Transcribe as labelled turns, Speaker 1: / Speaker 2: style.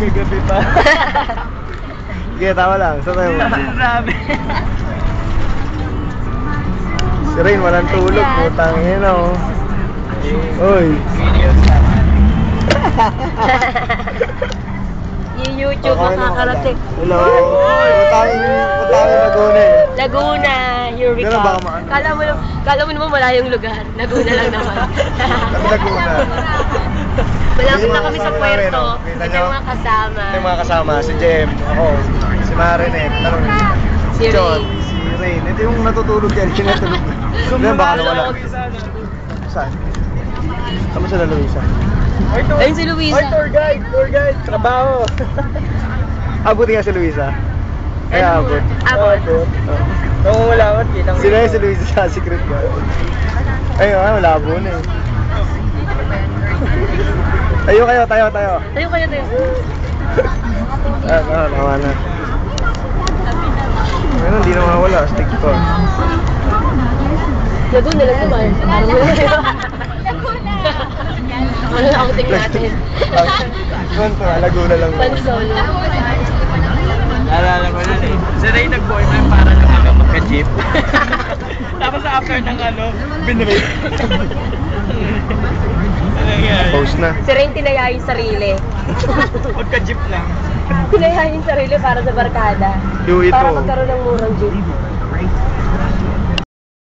Speaker 1: Kagabi pa.
Speaker 2: Sige, tama lang. Saan tayo?
Speaker 1: Sabi.
Speaker 2: Si Rain, walang tulog. Putang ina, oh. Uy.
Speaker 3: Yung YouTube makakarating.
Speaker 2: Hello. Matawin Laguna eh.
Speaker 3: Laguna, here we
Speaker 2: Pero
Speaker 3: go.
Speaker 2: baka maano.
Speaker 3: Kala mo naman malayong lugar. Laguna lang naman.
Speaker 2: Laguna.
Speaker 3: Malapit na kami sa
Speaker 2: Kita
Speaker 3: puerto.
Speaker 2: nyo?
Speaker 3: Ito yung mga kasama.
Speaker 2: Ito yung mga kasama. Si Jem, ako, si Marinette,
Speaker 3: Si
Speaker 2: John,
Speaker 3: Rain.
Speaker 2: si Rain. Ito yung natutulog yan. Sinatulog. Hindi, baka nawala. Saan? Kamo sa Luisa?
Speaker 3: Ayun si Luisa.
Speaker 1: Ay, tour guide. Trabaho.
Speaker 2: Abuti nga si Luisa. Kaya abot.
Speaker 3: Abot.
Speaker 1: Oo, wala man. Kitang
Speaker 2: Sila yung si Luisa sa secret ko. Ayun, malabo na eh. Tayo kayo.
Speaker 3: Tayo kayo.
Speaker 2: Nawa na. Ayun, hindi na mawala. Stick to.
Speaker 3: Laguna lang naman. Parang ano na outing natin?
Speaker 2: Konto, Laguna lang.
Speaker 3: Pansolo.
Speaker 1: Naalala ko nun eh. Si Ray nag-boyfriend para lang hanggang magka-jeep. Tapos after ng binrate.
Speaker 2: Post na.
Speaker 3: Si Rain tinaya yung sarili.
Speaker 1: Magka-jeep lang.
Speaker 3: Tinaya yung sarili para sa barkada.
Speaker 2: Do it
Speaker 3: Para
Speaker 2: all.
Speaker 3: magkaroon ng murang jeep.